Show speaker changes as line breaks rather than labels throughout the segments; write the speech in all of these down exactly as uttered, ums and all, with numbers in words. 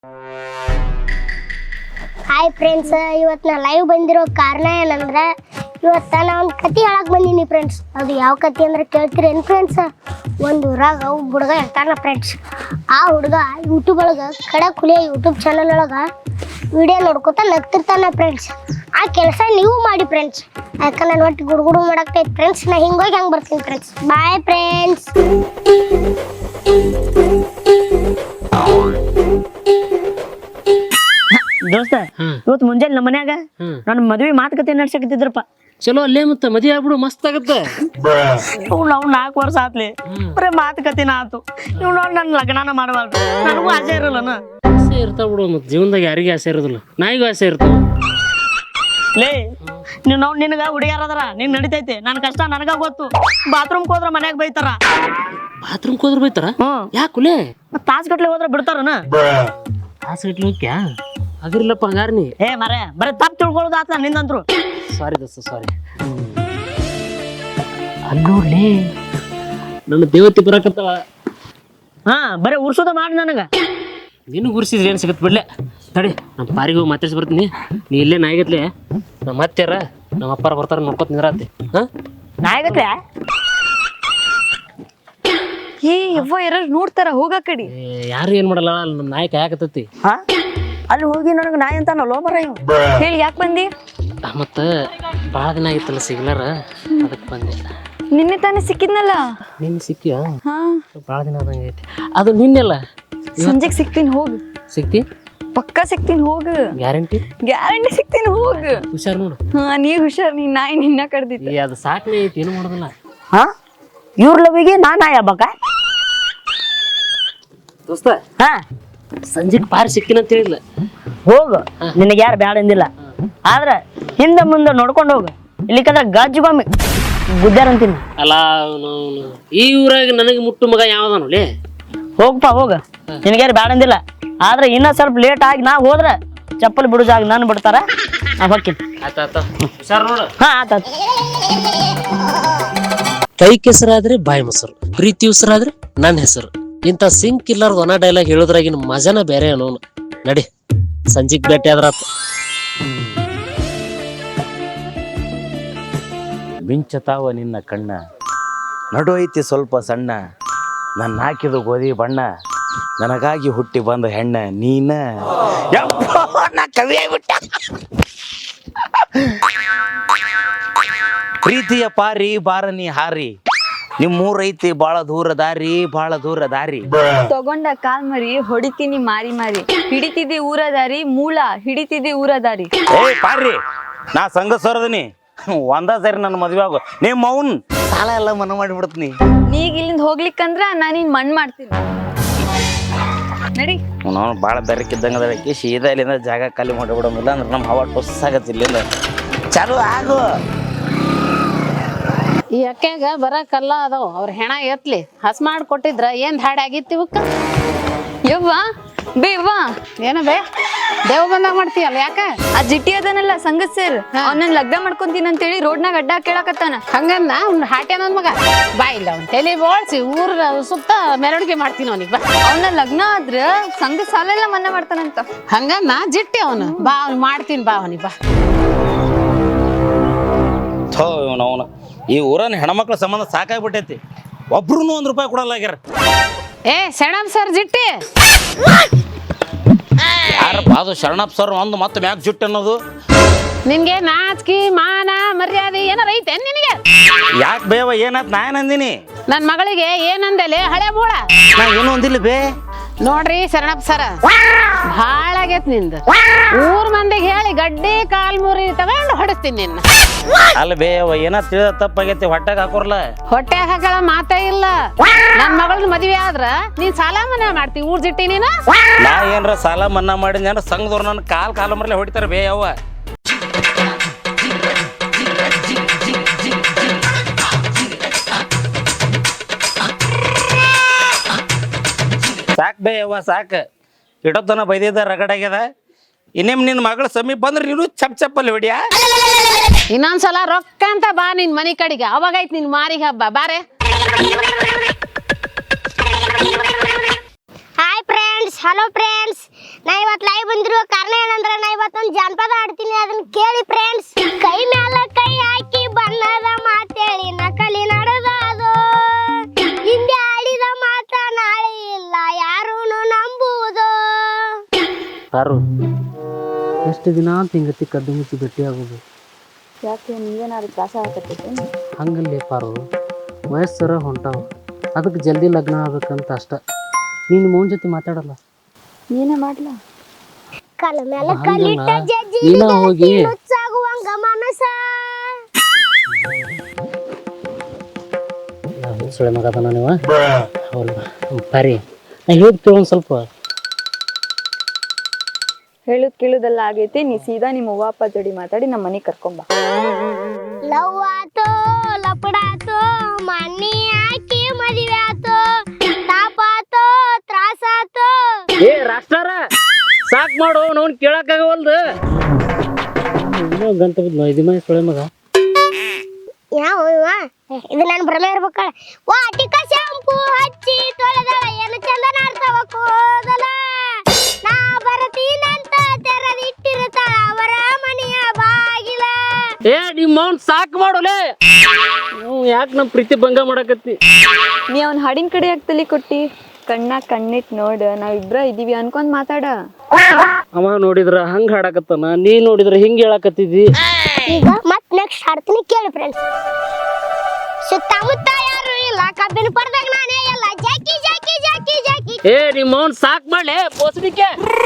Hi friends, ಇವತ್ತು ನಾ live ಬಂದಿರೋ ಕಾರಣ ಏನಂದ್ರೆ ಇವತ್ತು ನಾ ಒಂದು ಕತೆ ಹೇಳಕ್ಕೆ ಬಂದೀನಿ ಫ್ರೆಂಡ್ಸ್. ಅದು ಯಾವ ಕತೆ ಅಂದ್ರೆ ಕೇಳ್ತೀರೇನು ಫ್ರೆಂಡ್ಸ್? ಒಂದು ಊರಾಗ ಒಬ್ಬ ಹುಡುಗ ಇರ್ತಾನ ಫ್ರೆಂಡ್ಸ್. ಆ ಹುಡುಗ ಯೂಟ್ಯೂಬ್ ಒಳಗೆ ಖಡಕ್ ಹುಲಿಯ ಯೂಟ್ಯೂಬ್ ಚಾನಲ್ ಒಳಗೆ ವಿಡಿಯೋ ನೋಡ್ಕೊತ ನಗ್ತಿರ್ತಾನ ಫ್ರೆಂಡ್ಸ್. ಆ ಕೆಲಸ ನೀವು ಮಾಡಿ ಫ್ರೆಂಡ್ಸ್, ಯಾಕಂದ್ರೆ ನಾನು ಒಟ್ಟು ಗುಡುಗುಡು ಮಾಡಾಕ್ತೈತೆ ಫ್ರೆಂಡ್ಸ್. ನಾ ಹಿಂಗೋಗಿ ಹೆಂಗೆ ಬರ್ತೀನಿ ಫ್ರೆಂಡ್ಸ್. Bye friends.
ದೋಸ್ತ, ಇವತ್ತು ಮುಂಜಾನೆ ನಮ್ಮ ಮನ್ಯಾಗ ನನ್ನ ಮದ್ವೆ ಮಾತುಕತೆ ನಡ್ಸಕತ್ತಿದ್ರಪ್ಪ.
ಚಲೋ ಅಲ್ಲೇ ಮತ್ತೆ ಮದುವೆ ಆಗ್ಬಿಡು, ಮಸ್ತ್ ಆಗತ್ತೆ.
ಇವ್ ನಾವು ನಾಲ್ಕು ವರ್ಷ ಆತ್ಲಿ ಬರೀ ಮಾತುಕತೆನ ಆತು. ಇವ್ ನೋಡಿ ನನ್ನ ಲಗ್ನಾನ ಮಾಡಬಾರ್ದು, ನನಗೂ ಆಸೆ ಇರಲ್ಲನ.
ಆಸೆ ಇರ್ತಾವ ಬಿಡು, ಮತ್ತೆ ಜೀವನದಾಗ ಯಾರಿಗೆ ಆಸೆ ಇರೋದಿಲ್ಲ, ನಾಯಿಗೂ ಆಸೆ ಇರ್ತಾವ.
ಲೇ ನೀವು ನಾವು ನಿನಗ ಹುಡುಗ್ಯಾರದಾರ, ನೀನ್ ನಡಿತೈತಿ. ನನ್ನ ಕಷ್ಟ ನನಗ ಗೊತ್ತು. ಬಾತ್ರೂಮ್ ಹೋದ್ರ ಮನ್ಯಾಗ ಬೈತಾರ.
ಬಾತ್ರೂಮ್ ಹೋದ್ರ ಬೈತಾರ?
ಹ್ಮ್,
ಯಾಕುಲೇ?
ಮತ್ ತಾಸ್ ಗಟ್ಲೆ ಹೋದ್ರ ಬಿಡ್ತಾರನ?
ಆಸೆ ಇಟ್ಲು ಹೋಗ್ಯಾ? ಅದಿರ್ಲಪ್ಪ ಹಂಗಾರ ನೀ.
ಏ ಮರೆ, ಬರೀ ತಪ್ಪು ತಿಳ್ಕೊಳ್ಳೋದು ಆತ ನಿಂದಂತ್ರು.
ಸಾರಿ ದೋಸ್ತ, ಸಾರಿ. ಅಲ್ಲೋಡ್ಲಿ, ನನ್ನ ದೇವತೆ ಬರಕತ್ತವ.
ಹಾ, ಬರೀ ಉರ್ಸೋದ ಮಾಡಿ ನನಗ.
ನೀನು ಗುರ್ಸಿದ್ರೆ ಏನು ಸಿಗತ್ತೆ ಬಿಡ್ಲೆ. ತಡಿ, ನಮ್ಮ ಪಾರಿಗೆ ಹೋಗಿ ಮಾತಾಡ್ಸಿ ಬರ್ತೀನಿ. ನೀ ಇಲ್ಲೇ ನಾಯಿಗತ್ಲೆ ನಮ್ಮ ಅತ್ತೆರ ನಮ್ಮ ಅಪ್ಪಾರ ಬರ್ತಾರ, ನೋಡ್ಕೊತ ನಿಂದ್ರಾತಿ. ಹಾ,
ನಾಯಿಗತ್ಲೆ
ಏ ಯವ್ವ ಯಾರು ನೋಡ್ತಾರ, ಹೋಗ ಕಡಿ.
ಯಾರು ಏನ್ ಮಾಡಲ್ಲ, ನಮ್ಮ ನಾಯಿ ಕಾಯಕತ್ತೈತಿ.
ಹಾ, ಅಲ್ಲಿ ಹೋಗಿ ನನಗೆ ನಾಯಿ ಅಂತ ಲೋ ಬರ ಇವ್.
ಹೇಳಿ ಯಾಕೆ ಬಂದಿ?
ಮತ್ತ ಭಾಳ ದಿನ ಆಗಿತ್ತಲ್ಲ ಸಿಗ್ಲಾರ, ಅದಕ್ಕೆ ಬಂದೆ.
ನಿನ್ನೆ ತಾನೇ ಸಿಕ್ಕಿದ್ನಲ್ಲ.
ನಿನ್ ಸಿಕ್ಕಿಯ?
ಹಾ,
ಭಾಳ ದಿನ ಆದಂಗೆ ಐತಿ. ಅದು ನಿನ್ನೆಲ್ಲ.
ಸಂಜೆಗೆ ಸಿಗ್ತೀನಿ ಹೋಗು.
ಸಿಕ್ತಿ?
ಪಕ್ಕ ಸಿಗ್ತೀನಿ ಹೋಗು.
ಗ್ಯಾರಂಟಿ?
ಗ್ಯಾರಂಟಿ ಸಿಗ್ತೀನಿ ಹೋಗು.
ಹುಷಾರ್ ನೋಡು.
ಹಾ, ನೀ ಹುಷಾರ್. ನೀನ್ ನಾಯಿ ನಿನ್ನ ಕಡ್ದಿತ್ತು.
ಅದು ಸಾಕ್ನೆ ಐತಿ, ಏನು ಮಾಡೋದಿಲ್ಲ.
ಹಾ, ಇವ್ರ ಲವಿಗೆ ನಾ ನಾಯಿ ಹಬ್ಬಕ್ಕ?
ದೋಸ್ತ,
ಹಾ,
ಸಂಜೆಗೆ ಪಾರಿ ಸಿಕ್ಕಿನ ಅಂತ ಹೇಳಿಲ್ಲ.
ಹೋಗು, ನಿನಗೆ ಯಾರು ಬ್ಯಾಡ ಅಂದಿಲ್ಲ. ಆದ್ರೆ ಹಿಂದೆ ಮುಂದೆ ನೋಡ್ಕೊಂಡು ಹೋಗು, ಇಲ್ಲಿಕಂದ್ರೆ ಗಜ್ಜುಗೊಮ್ಮೆ ಗುದ್ದಾರಂತೀನಿ.
ಅಲ್ಲ, ಅವನು ಈ ಊರಾಗ ನನಗೆ ಮುಟ್ಟು ಮಗ ಯಾವ್ದಾನು ಲೇ?
ಹೋಗಪ್ಪ ಹೋಗ, ನಿನಗ್ಯಾರು ಬ್ಯಾಡ ಅಂದಿಲ್ಲ. ಆದ್ರೆ ಇನ್ನ ಸ್ವಲ್ಪ ಲೇಟ್ ಆಗಿ ನಾ ಹೋದ್ರೆ ಚಪ್ಪಲಿ ಬಿಡುಜಾಗ ನಾನು ಬಿಡ್ತಾರ, ನಾ ಹೋಗ್ತೀನಿ.
ಆತ ಹುಷಾರ್ ನೋಡು.
ಹಾ, ಆತ.
ಕೈ ಕೆಸರಾದ್ರೆ ಬಾಯಿ ಮೊಸರು, ಪ್ರೀತಿ ಉಸಿರಾದ್ರೆ ನನ್ನ ಹೆಸರು. ಇಂಥ ಸಿಂಕ್ ಇಲ್ಲಾರ್ದ ಒನ ಡೈಲಾಗ್ ಹೇಳೋದ್ರಾಗಿನ ಮಜಾನ ಬೇರೆ ಅನ್ನೋನು. ನಡಿ, ಸಂಜಿಗ್ ಭೇಟಿ ಆದ್ರ
ಮಿಂಚತಾವ ನಿನ್ನ ಕಣ್ಣ, ನಡು ಐತಿ ಸ್ವಲ್ಪ ಸಣ್ಣ, ನನ್ನ ಹಾಕಿದ ಗೋಧಿ ಬಣ್ಣ, ನನಗಾಗಿ ಹುಟ್ಟಿ ಬಂದ ಹೆಣ್ಣ ನೀನ. ನಾ ಕವಿ ಆಗ್ಬಿಟ್ಟ. ಪ್ರೀತಿಯ ಪಾರಿ ಬಾರನಿ ಹಾರಿ, ನಿಮ್ಮೂರೈತಿ ಬಾಳ ದೂರ ದಾರಿ, ಬಾಳ ದೂರ ದಾರಿ.
ತಗೊಂಡ ಕಾಲ್ ಮರಿ ಹೊಡಿತೀನಿ ಮಾರಿ ಮಾರಿ, ಹಿಡಿತಿದ್ದಿ ಊರ ದಾರಿ ಮೂಳ, ಹಿಡಿತಿದ್ದಿ ಊರ ದಾರಿ.
ಏ ಪಾರಿ, ನಾ ಸಂಘ ಸರದನಿ ಒಂದ ಸರಿ ನನ್ನ ಮದ್ವೆ ಆಗು. ನಿಮ್ಮ ಅವ್ನ್ ಸಾಲ ಎಲ್ಲ ಮನ ಮಾಡಿಬಿಡ್ತೀನಿ.
ನೀಗ ಇಲ್ಲಿಂದ ಹೋಗ್ಲಿಕ್ಕಂದ್ರ ನಾನು ನಿನ್ ಮಣ್ಣು ಮಾಡ್ತೀನಿ. ನಡಿ.
ನಾವು ಭಾಳ ಬೆರಕಿದ್ದಂಗೆ ಅದಕ್ಕೆ ಸೀದಾ ಇಲ್ಲಿಂದ ಜಾಗ ಖಾಲಿ ಮಾಡಿಬಿಡೋದಿಲ್ಲ ಅಂದ್ರೆ ನಮ್ಮ ಹವಾ ಟೊಸ್ ಆಗತ್ತೆ. ಇಲ್ಲಿಂದ ಚಾಲು ಆಗು.
ಈ ಅಕ್ಕ್ಯಾಗ ಬರಕಲ್ಲ ಅದಾವ, ಅವ್ರ ಹೆಣ ಎತ್ಲಿ ಹಸ್ ಮಾಡಿ ಕೊಟ್ಟಿದ್ರ ಏನ್ ಧಾಡಿ ಆಗಿತ್ತು ಇವಕ್ಕ?
ಯವ್ವ ಬೇವ್ವ,
ಏನ ಬೇ ದೇವ್ ಬಂದಾಗ ಮಾಡ್ತೀಯಲ್ಲ, ಯಾಕ?
ಆ ಜಿಟ್ಟಿ ಅದನಲ್ಲ ಸಂಗತ್ ಸರ್, ಅವ್ನನ್ನ ಲಗ್ನ ಮಾಡ್ಕೊಂತೀನಿ ಅಂತೇಳಿ ರೋಡ್ನಾಗ ಅಡ್ಡ ಕೇಳಕತ್ತಾನ.
ಹಂಗನ್ನ ಅವ್ನ ಹಾಟ್ಯ ನನ್ ಮಗ ಬಾ ಇಲ್ಲ ಅವ್ನ ತಲೆ ಬೋಳ್ಸಿ ಊರ್ ಸುತ್ತ ಮೆರವಣಿಗೆ ಮಾಡ್ತೀನಿ ಅವನಿಗೆ. ಬಾ,
ಅವನ ಲಗ್ನ ಆದ್ರ ಸಂಘ ಸಾಲ ಎಲ್ಲ ಮನ್ನಾ ಮಾಡ್ತಾನಂತ.
ಹಂಗನ್ನ ಜಿಟ್ಟಿ ಅವನು. ಬಾ, ಅವ್ನು ಮಾಡ್ತೀನಿ ಬಾ ಅವನಿಗೆ. ಬಾ,
ಥೋ ಅವನು ಈ ಊರನ್ನ ಹೆಣ್ಮಕ್ಳ ಸಂಬಂಧ ಸಾಕಾಗ್ಬಿಟ್ಟೈತಿ. ಒಬ್ರು ಒಂದ್ ರೂಪಾಯಿ ಕೊಡಲ್ಲ ಆಗ್ಯಾರ.
ಏ ಶರಣಮ್ ಸರ್ ಜಿಟ್ಟಿ,
ಯಾರಪ್ಪ ಅದು ಶರಣಪ್ಪ ಸರ್? ಒಂದು ಮತ್ತೆ ಮ್ಯಾಕ್ ಜುಟ್ಟು ಅನ್ನೋದು.
ನಿನ್ಗೆ ನಾಚಿಕೆ ಮಾನ ಮರ್ಯಾದೆ ಏನಾರ ಐತೆ ನಿನಗೆ?
ಯಾಕೆ ಬೇವ, ಏನಾತ್? ನಾ ಏನಂದಿನಿ?
ನನ್ ಮಗಳಿಗೆ ಏನಂದಲೆ ಹಳೆ ಮೂಳ?
ನಾ ಏನು ಅಂದಿಲ್ಲ ಬೇ.
ನೋಡ್ರಿ ಶರಣಪ್ಪ ಸರ, ಭಾಳ ಆಗೇತ್ ನಿಂದ. ಊರ್ ಮಂದಿಗೆ ಹೇಳಿ ಗಡ್ಡಿ ಕಾಲ್ ಮುರಿ ತಗೊಂಡು ಹೊಡಿಸ್ತೀನಿ ನಿನ್ನ.
ಅಲ್ಲ ಬೇವ, ಏನಾತ್ ತಿಳಿದ ತಪ್ಪಾಗೈತಿ, ಹೊಟ್ಟಾಗ ಹಾಕೋರ್ಲ.
ಹೊಟ್ಟೆ ಹಾಕಳ ಮಾತೇ ಇಲ್ಲ. ನನ್ ಮಗಳ್ ಮದ್ವೆ ಆದ್ರ ನೀನ್ ಸಾಲ ಮನ್ನಾ ಮಾಡ್ತಿ ಊರ್ ಜಿಟ್ಟಿ ನೀನ.
ನಾ ಏನ್ರ ಸಾಲ ಮನ್ನಾ ಮಾಡಿದ್ನಿ ಅಂದ್ರೆ ಸಂಘದವ್ರು ನನ್ನ ಕಾಲ್ ಕಾಲ ಮರಲೆ ಹೊಡಿತಾರ ಬೇ ಯವ್ವ. ಸಾಕ್ ಬೇ ಯವ್ವ ಸಾಕ್. ಇಡೋತನ ಬೈದಿದ್ದ ರಗಡಾಗ್ಯದ. ಇನ್ನೇಮ್ ನಿನ್ನ ಮಗಳ ಸಮೀಪ ಬಂದ್ರೆ ನೀನು ಚಪ್ ಚಪ್ಪಲ್ಲಿ ಹೊಡಿಯಾ.
ಇನ್ನೊಂದ್ಸಲ ರೊಕ್ಕ ಅಂತ ಬಾ ನಿನ್ ಮನಿ ಕಡೆಗೆ, ಅವಾಗೈತ್ ನಿನ್ ಮಾರಿಗೆ ಹಬ್ಬ. ಬಾರೆ.
ಹಾಯ್ ಫ್ರೆಂಡ್ಸ್, ಹಲೋ ಫ್ರೆಂಡ್ಸ್, ನಾ ಇವತ್ತು ಲೈವ್ ಬಂದಿರುವ ಕಾರಣ ಏನಂದ್ರೆ ನಾ ಇವತ್ತೊಂದು ಜಾನಪದ ಆಡ್ತೀನಿ, ಅದನ್ನ ಕೇಳಿ ಫ್ರೆಂಡ್ಸ್. ಕೈ ಮ್ಯಾಲ ಕೈ ಹಾಕಿ ಬಣ್ಣದ ಮಾತೇಳಿ ನಕಲಿ ನಡೆದದು, ಹಿಂದೆ ಆಡಿದ ಮಾತ ನಾಳೆ ಇಲ್ಲ ಯಾರೂನು ನಂಬುವುದು.
ಪಾರು, ಎಷ್ಟು ದಿನ ಅಂತ ಹಿಂಗತಿ ಕದ್ದು ಮುಚ್ಚಿ ಭೇಟಿ ಆಗೋದು?
ಯಾಕೆ ನೀವೇನಾದ್ರು ತ್ರಾಸ ಆಗತ್ತೈತೆ?
ಹಂಗಲ್ಲೇ ಪಾರು, ವಯಸ್ಸರ ಹೊಂಟಾವ, ಅದಕ್ಕೆ ಜಲ್ದಿ ಲಗ್ನ ಆಗ್ಬೇಕಂತ ಅಷ್ಟ. ನೀನು ಮೌನ್ ಜೊತೆ ಮಾತಾಡಲ್ಲ,
ನೀನೇ ಮಾಡ್ಲಾ?
ಕಲ ಮೇಲೆ ಕಲ್ಲಿಟ್ಟ ಜಜ್ಜಿ
ನೀನ ಹೋಗಿ
ನುಚ್ಚಾಗುವಂಗ ಮನಸ.
ಸುಳೆ ಮಗದನ ನೀವು ಹೌದು ಪಾರಿ, ನಾ ಹೇಳ್ತೀವಿ ಒಂದು ಸ್ವಲ್ಪ.
ಹೇಳುದ್ ಕೇಳುದೆಲ್ಲ ಆಗೈತಿ, ನೀ ಸೀದಾ ನಿಮ್ಮ ಅವ್ವ ಅಪ್ಪ ಜೋಡಿ ಮಾತಾಡಿ ನಮ್ಮ ಮನೆಗೆ ಕರ್ಕೊಂಬ.
ಲವ್ ಆತೋ ಲಪಡಾತೋ ಮಣ್ಣಿ ಹಾಕಿ ಮದುವೆ ಆತೋ, ತಾಪಾತೋ ತ್ರಾಸಾತೋ.
ಏ ರಾಷ್ಟ್ರಾರ ಸಾಕ್ ಮಾಡು, ನೋನ್ ಕೇಳಕ್ಕಾಗವಲ್ದು. ಗಂಟ ಬಿದ್ದು ಐದು ಮನೆ ಸುಳೆ ಮಗ.
ಯಾವ ಇವ? ಇದು ನನ್ನ ಭ್ರಮೆ ಇರ್ಬೇಕಳ. ವಾ ಟಿಕ ಶಾಂಪೂ ಹಚ್ಚಿ ತೊಳೆದಳ ಏನು ಚಂದ ನಾಡ್ತಾವ ಕೂದಲ, ನಾ ಬರತೀನಂತ ತೆರೆದಿಟ್ಟಿರ್ತಾಳ ಅವರ ಮನೆಯ ಬಾಗಿಲ.
ಏ ನಿಮ್ಮ ಮೌನ್ ಸಾಕ್ ಮಾಡೋಲೆ, ಯಾಕೆ ನಮ್ಮ ಪ್ರೀತಿ ಭಂಗ ಮಾಡಕತ್ತಿ?
ನೀ ಅವ್ನ ಹಾಡಿನ ಕಡೆ ಯಾಕೆ ತಲೆ ಕೊಟ್ಟಿ? ಕಣ್ಣ ಕಣ್ಣಿಟ್ ನೋಡ, ನಾವಿಬ್ರ ಇದೀವಿ ಅನ್ಕೊಂಡ್ ಮಾತಾಡ.
ಅವ ನೋಡಿದ್ರ ಹಂಗ ಹಾಡಕತ್ತಾನ, ನೀ ನೋಡಿದ್ರ ಹಿಂಗ ಹೇಳಕತ್ತಿದ್ದಿ.
ಈಗ ಮತ್ ನೆಕ್ಸ್ಟ್ ಹಾಡ್ತೀನಿ ಕೇಳಿ ಫ್ರೆಂಡ್ಸ್. ಸುತ್ತಮುತ್ತ ಯಾರು ಇಲ್ಲ ಕಬ್ಬಿನ ಪರದಾಗ ನಾನೇ ಎಲ್ಲ ಜಾಕಿ ಜಾಕಿ ಜಾಕಿ ಜಾಕಿ.
ಏ ನಿಮ್ಮ ಮೌನ್ ಸಾಕ್ ಮಾಡ್ಲೆ ಬೋಸಡಿಕೆ.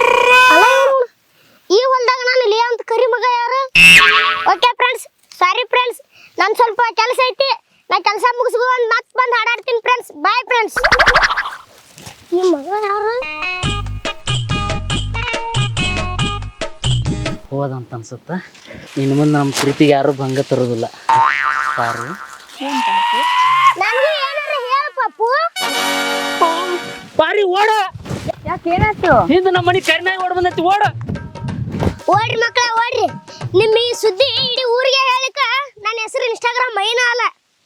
ಈ ಹೊಲ್ದಾಗ ನಾನು ಲೇ ಅಂತ ಕರಿ ಮಗ ಯಾರು? ಓಕೆ ಫ್ರೆಂಡ್ಸ್, ಸಾರಿ ಫ್ರೆಂಡ್ಸ್, ನನ್ ಸ್ವಲ್ಪ ಕೆಲಸ ಐತಿ, ನಾ ಕೆಲಸ ಮುಗಿಸ್ಕೊಂಡು ಮತ್ ಬಂದು ಹಾಡಾಡ್ತೀನಿ ಫ್ರೆಂಡ್ಸ್. Bye friends. ಈ ಮಗ ಯಾರು?
ಹೋದಂತ ಅನ್ಸುತ್ತ. ಇನ್ನು ಮುಂದೆ ನಮ್ಮ ಪ್ರೀತಿಗೆ ಯಾರು ಭಂಗ ತರೋದಿಲ್ಲ. ಯಾರು
ನನಗೂ ಏನಾರ ಹೇಳ ಪಪ್ಪು.
ಪಾರಿ ಓಡ,
ಯಾಕೆ ಏನಾಯ್ತು?
ಹಿಂದ ನಮ್ಮ ಮನೆ ಕರಿನಾಯಿ ಓಡ್ ಬಂದೈತಿ, ಓಡ.
ಓಡ್ರಿ ಮಕ್ಕಳ ಓಡ್ರಿ, ನಿಮ್ಮ ಈ ಸುದ್ದಿ ಇಡೀ ಊರಿಗೆ ಹೇಳಿಕ ನನ್ನ ಹೆಸರು ಇನ್ಸ್ಟಾಗ್ರಾಮ್ ಮೈನ ಅಲ್ಲ.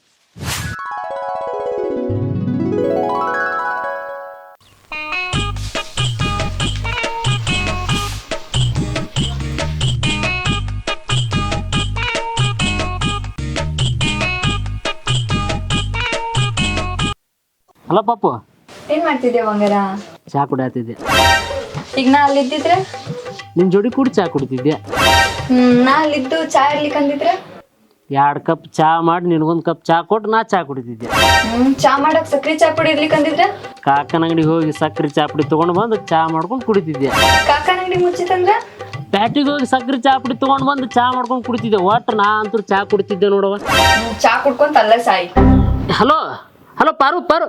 ಅಲ್ಲ ಪಾಪು,
ಏನ್ ಮಾಡ್ತಿದ್ದೆ ಬಂಗಾರ?
ಚಾ ಕುಡಿಯತ್ತಿದ್ದೆ.
ಈಗ ನಾ ಅಲ್ಲಿದ್ದಿದ್ರೆ?
ನಿನ್ ಜೋಡಿ ಕೂಡಿ ಚಾ ಕುಡಿತಿದ್ದೆ.
ಹ್ಮ್ ನಾ ಅಲ್ಲಿದ್ದು ಚಾ ಇರ್ಲಿಕ್ಕೆ ಅಂದಿದ್ರೆ?
ಎರಡು ಕಪ್ ಚಾ ಮಾಡಿ ನಿನಗೊಂದು ಕಪ್ ಚಾ ಕೊಟ್ಟು ನಾ ಚಾ ಕುಡಿತಿದ್ದೆ.
ಹ್ಮ್ ಚಾ ಮಾಡಕ್ ಸಕ್ರಿ ಚಾ ಪುಡಿ ಇರ್ಲಿಕ್ಕೆ ಅಂದಿದ್ರೆ?
ಕಾಕನ ಅಂಗಡಿಗೆ ಹೋಗಿ ಸಕ್ರೆ ಚಾ ಪುಡಿ ತಗೊಂಡು ಬಂದು ಚಾ ಮಾಡ್ಕೊಂಡು ಕುಡಿತಿದ್ದೆ.
ಕಾಕನ ಅಂಗಡಿ ಮುಚ್ಚಿತಂದ್ರ?
ಪ್ಯಾಟಿಗೆ ಹೋಗಿ ಸಕ್ರೆ ಚಾ ಪುಡಿ ತಗೊಂಡು ಬಂದು ಚಾ ಮಾಡ್ಕೊಂಡು ಕುಡಿತಿದ್ದೆ. ಒಟ್ಟು ನಾ ಅಂತೂ ಚಾ ಕುಡಿತಿದ್ದೆ ನೋಡವ.
ಚಾ ಕುಡ್ಕೊಂತ ಅಲ್ಲ ಸಾಯಿ.
ಹಲೋ ಹಲೋ ಪಾರು ಪಾರು,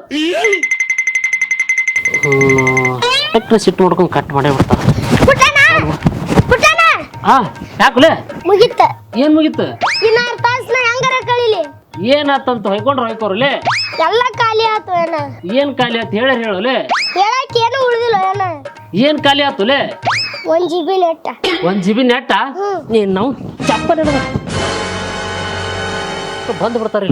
ಟಕ್ರ ಸಿಟ್ಟು ಮಾಡ್ಕೊಂಡು ಕಟ್ ಮಾಡೇ ಬಿಡ್ತಾರ.
ಪುಟ್ಟಣ ಪುಟ್ಟಣ
ಹಾ ಯಾಕಲೆ
ಮುಗಿತ.
ಏನ್ ಮುಗಿತ್ತು?
ಇನ್ನಾರು ತಾಸ್ನ ಹೆಂಗಾರ ಕಳಿಲಿ?
ಏನಾತಂತ ಹೊಯ್ಕೊಂಡ್ರ ಹೊಯ್ಕೋರ್ಲೆ,
ಎಲ್ಲ ಖಾಲಿ ಆತು ಏನ?
ಏನ್ ಖಾಲಿ ಆತು ಹೇಳ ಹೇಳಲೆ.
ಹೇಳಕ್ ಏನು ಉಳಿದಿಲ್ಲ ಏನ?
ಏನ್ ಖಾಲಿ ಆತುಲೆ?
ಒಂದ್ ಜಿ ಬಿ ನೆಟ್ಟ.
ಒಂದ್ ಜಿ ಬಿ ನೆಟ್ಟ? ನೀನ್ ನಾವು ಚಪ್ಪ ಬಂದ್ ಬಿಡ್ತಾರ.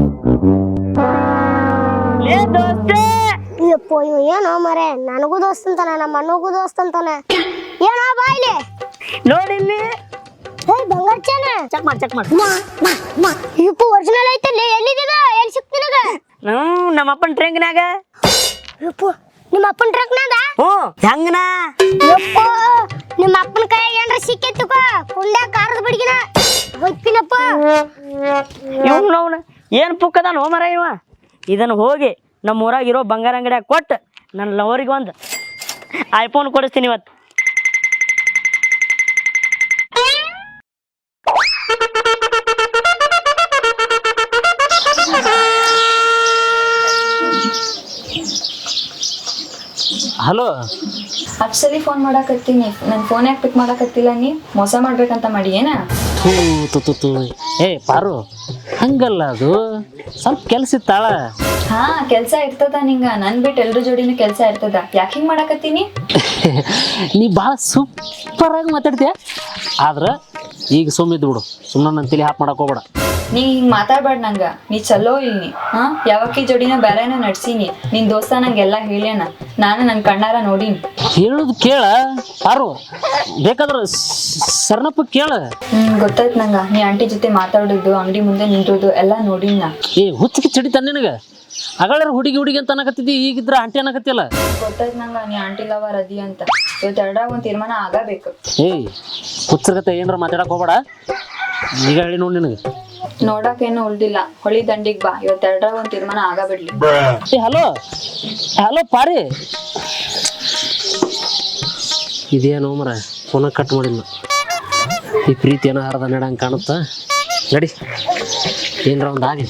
ಯಪ್ಪೋ ಇವ ಏನೋ ಮರೆ, ನನಗೂ ದೋಸ್ತ್ ಅಂತಾನ, ನಮ್ಮ ಅಣ್ಣಗೂ ದೋಸ್ತ್ ಅಂತಾನ. ಏನೋ ಬಾಯ್ಲಿ
ನೋಡಿಲ್ಲಿ
ಹೇ ಬಂಗಾರ ಚೇನ
ಚೆಕ್ ಮಾಡಿ ಚೆಕ್ ಮಾಡಿ.
ಯಪ್ಪೋ ಒರಿಜಿನಲ್ ಐತಲ್ಲಿ, ಎಲ್ಲಿದ್ದೀಗ? ಎಲ್ಲಿ ಸಿಕ್ತಿ ನಿನಗ?
ಹ್ಮ್ ನಮ್ಮ ಅಪ್ಪನ ಟ್ರೇಂಗ್ನಾಗ.
ಯಪ್ಪೋ ನಿಮ್ಮ ಅಪ್ಪನ ಟ್ರಕ್ನಾಗ?
ಹ್ಞೂ ಹೆಂಗನ?
ಯಪ್ಪೋ ನಿಮ್ಮ ಅಪ್ಪನ ಕೈ ಏನ್ರ ಸಿಕ್ಕೈತುಕೋ, ಕುಂಡ್ಯಾಗ ಕಾರದ ಬಡಿಗಿನ ಹೋಗ್ತೀನಪ್ಪ.
ಇವ್ನು ಅವನು ಏನು ಪುಕ್ಕದಾನ ಹೋ ಮರ ಇವ. ಇದನ್ನು ಹೋಗಿ ನಮ್ಮ ಊರಾಗ ಇರೋ ಬಂಗಾರ ಅಂಗಡಿಯಾಗ ಕೊಟ್ಟು ನನ್ನ ಲವರಿಗೆ ಒಂದು ಐಫೋನ್ ಕೊಡಿಸ್ತೀನಿ ಇವತ್ತು.
ಹಲೋ,
ಅಪ್ಸಲಿ ಫೋನ್ ಮಾಡಾಕತ್ತೀನಿ, ನನ್ ಫೋನ್ ಯಾಕೆ ಪಿಕ್ ಮಾಡಾಕತ್ತಿಲ್ಲ? ನೀ ಮೋಸ ಮಾಡ್ಬೇಕಂತ ಮಾಡಿ ಏನ?
ಥೂ ತು ತು ಏ ಪಾರು, ಹಂಗಲ್ಲ, ಅದು ಸ್ವಲ್ಪ ಕೆಲ್ಸ ಇತ್ತಾಳ.
ಹಾ ಕೆಲ್ಸ ಇರ್ತದ ನಿಂಗ, ನನ್ ಬಿಟ್ಟು ಎಲ್ರ ಜೋಡಿನೂ ಕೆಲ್ಸ ಇರ್ತದ. ಯಾಕೆ ಹಿಂಗ್ ಮಾಡಾಕತ್ತೀನಿ?
ನೀ ಭಾಳ ಸೂಪರ್ ಆಗಿ ಮಾತಾಡ್ತೀಯ. ಆದ್ರ ಈಗ ಸುಮ್ಮಿದ್ದು ಬಿಡು, ಸುಮ್ಮನೆ ನನ್ನ ತಲೆ ಹಾಪ್ ಮಾಡಕ್ ಹೋಗ್ಬೇಡ.
ನೀ ಹಿಂಗ್ ಮಾತಾಡ್ಬೇಡ ನಂಗ ನೀ ಚಲೋ ಇಲ್ನಿ ಹಾ ಯಾವಕ್ಕಿ ಜೋಡಿನ ಬೇರೆನ ನಡ್ಸೀನಿ ನಿನ್ ದೋಸ್ತ ನಂಗೆಲ್ಲ ಹೇಳ್ಯಾನ ನಾನು ನನ್ ಕಣ್ಣಾರ ನೋಡೀನಿ.
ಹೇಳುದು ಕೇಳ ಯಾರು ಬೇಕಾದ್ರ ಶರಣಪ್ಪ ಕೇಳ.
ಹ್ಮ್ ಗೊತ್ತಾಯ್ತು ನಂಗ ನೀ ಆಂಟಿ ಜೊತೆ ಮಾತಾಡೋದು ಅಂಗಡಿ ಮುಂದೆ ನಿಂತೋದು ಎಲ್ಲಾ ನೋಡೀನಿ ನಾ.
ಏ ಹುಚ್ಚಿಗೆ ಚಡಿತ ನಿನಗ ಅಗಳರ ಹುಡುಗಿ ಹುಡುಗಿ ಅಂತ ಅನ್ನಕತ್ತಿದ್ದಿ ಈಗಿದ್ರ ಆಂಟಿ ಅನ್ನಕತ್ತಿಲ್ಲ.
ಗೊತ್ತಾಯ್ತು ನಂಗ ನೀ ಆಂಟಿ ಲವರ್ ಅದಿ ಅಂತ. ಇವತ್ತು ಎರಡಾಗ ಒಂದ್ ತೀರ್ಮಾನ ಆಗಬೇಕು.
ಏಯ್ ಹುಚ್ಚರ್ಗತ್ತೆ ಏನಾರ ಮಾತಾಡಕ್ ಹೋಗ್ಬೇಡ ಈಗ ಹೇಳಿ ನೋಡಿ ನಿನಗೆ.
ನೋಡಕ್ ಏನು ಉಳ್ದಿಲ್ಲ ಹೊಳಿ ದಂಡಿಗ್ ಬಾ ಇವತ್ತು ಎರಡಾಗ ಒಂದ್ ತೀರ್ಮಾನ ಆಗಬಿಡ್ಲಿ.
ಏ ಹಲೋ ಹಲೋ ಪಾರಿ ಇದೇನೋ ಮರ ಫೋನ ಕಟ್ ಮಾಡಿಲ್ಲ. ಈ ಪ್ರೀತಿ ಏನೋ ಹರದ ನಡಂಗೆ ಕಾಣುತ್ತಾ ನಡಿ ಏನರ ಒಂದು ಆಗಲಿ.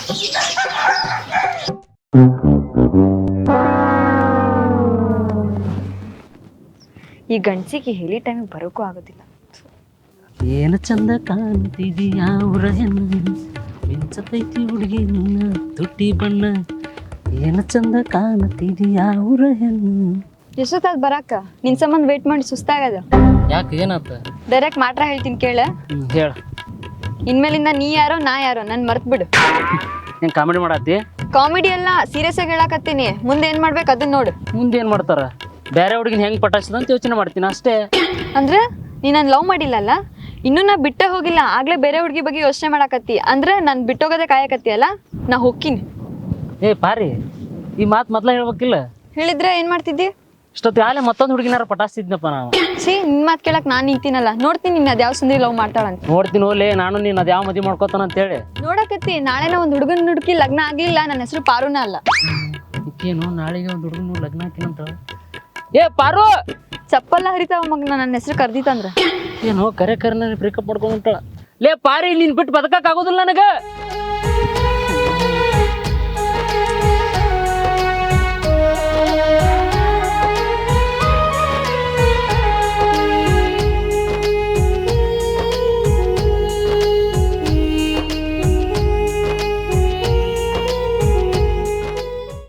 ಈ ಗಂಡ್ಸಿಗೆ ಹೇಳಿ ಟೈಮಿಗೆ ಬರೋಕ್ಕೂ ಆಗೋದಿಲ್ಲ.
ಏನು ಚಂದ ಕಾಣ್ತಿದೀಯ ಊರ ಹೆಣ್ಣು ಮಿಂಚತೈತಿ ಹುಡುಗಿ ನಿನ್ನ ತುಟಿ ಬಣ್ಣ ಏನು ಚಂದ ಕಾಣ್ತಿದೀಯ ಊರ ಹೆಣ್ಣು.
ಎಷ್ಟೊತ್ತಾದ್ ಬರಾಕ ನಿನ್ ಸಂಬಂಧ ವೇಟ್ ಮಾಡಿ ಸುಸ್ತಾಗದ.
ಯಾಕೆ ಏನಾತ
ಡೈರೆಕ್ಟ್ ಮಾತ್ರ ಹೇಳ್ತೀನಿ ಕೇಳ.
ಹೇಳ
ಇನ್ಮೇಲಿಂದ ನೀ ಯಾರೋ ನಾ ಯಾರೋ ನನ್ ಮರ್ತ್ ಬಿಡು.
ಏನು ಕಾಮಿಡಿ ಮಾಡತ್ತಿ?
ಕಾಮಿಡಿ ಎಲ್ಲ ಸೀರಿಯಸ್ ಆಗಿ ಹೇಳಾಕತ್ತೀನಿ. ಮುಂದೆ ಏನ್ ಮಾಡ್ಬೇಕು ಅದನ್ನ ನೋಡು.
ಮುಂದೆ ಏನು ಮಾಡ್ತಾರ ಬೇರೆ ಹುಡುಗಿನ ಹೆಂಗೆ ಪಟಾಯಿಸದ ಅಂತ ಯೋಚನೆ ಮಾಡ್ತೀನಿ ಅಷ್ಟೇ.
ಅಂದ್ರೆ ನೀ ನಾನು ಲವ್ ಮಾಡಿಲ್ಲಲ್ಲ ಇನ್ನೂ ನಾ ಬಿಟ್ಟೆ ಹೋಗಿಲ್ಲ ಆಗ್ಲೇ ಬೇರೆ ಹುಡುಗಿ ಬಗ್ಗೆ ಯೋಚನೆ ಮಾಡಾಕತ್ತಿ ಅಂದ್ರೆ ನಾನು ಬಿಟ್ಟೋಗೋದೇ ಕಾಯಕತ್ತಿ ಅಲ್ಲ. ನಾ ಹೋಗ್ತೀನಿ.
ಏ ಪಾರಿ ಈ ಮಾತು ಮೊದ್ಲ ಹೇಳ್ಬೇಕಿಲ್ಲ.
ಹೇಳಿದ್ರೆ ಏನ್ ಮಾಡ್ತಿದ್ದಿ?
ಇಷ್ಟೊತ್ತು ಯಾಲೆ ಮತ್ತೊಂದು ಹುಡುಗಿನಾರ ಪಟಾಯಿಸ್ತಿದ್ನಪ್ಪ ನಾವು.
ಸಿ ನಿನ್ ಮಾತು ಕೇಳಕ್ ನಾನು ನಿಂತೀನಲ್ಲ ನೋಡ್ತೀನಿ ನಿನ್ನ ಅದ್ಯಾವ ಸುಂದರಿ ಲವ್ ಮಾಡ್ತಾಳಂತ.
ನೋಡ್ತೀನಿ ಹೋಲೆ ನಾನು ನೀನು ಅದು ಯಾವ ಮದುವೆ ಮಾಡ್ಕೋತಾನ ಅಂತೇಳಿ
ನೋಡಕತ್ತಿ ನಾಳೆ ನಾ ಒಂದು ಹುಡುಗನ ಹುಡುಕಿ ಲಗ್ನ ಆಗ್ಲಿಲ್ಲ ನನ್ನ ಹೆಸರು ಪಾರುನ ಅಲ್ಲ.
ಏನು ನಾಳೆಗೆ ಒಂದು ಹುಡುಗನ ಲಗ್ನ ಹಾಕಿನಂತ. ಏ ಪಾರು
ಚಪ್ಪಲ್ಲ ಹರಿತಾವ ಮಗನ ನನ್ನ ಹೆಸರು ಕರ್ದಿತ್ತಂದ್ರ.
ಏನು ಕರೆ ಕರೆ ಬ್ರೇಕಪ್ ಮಾಡ್ಕೊಂಡ್ ಲೇ ಪಾರಿ ನೀನ್ ಬಿಟ್ಟು ಬದುಕಕ್ ಆಗೋದಿಲ್ಲ ನನಗ.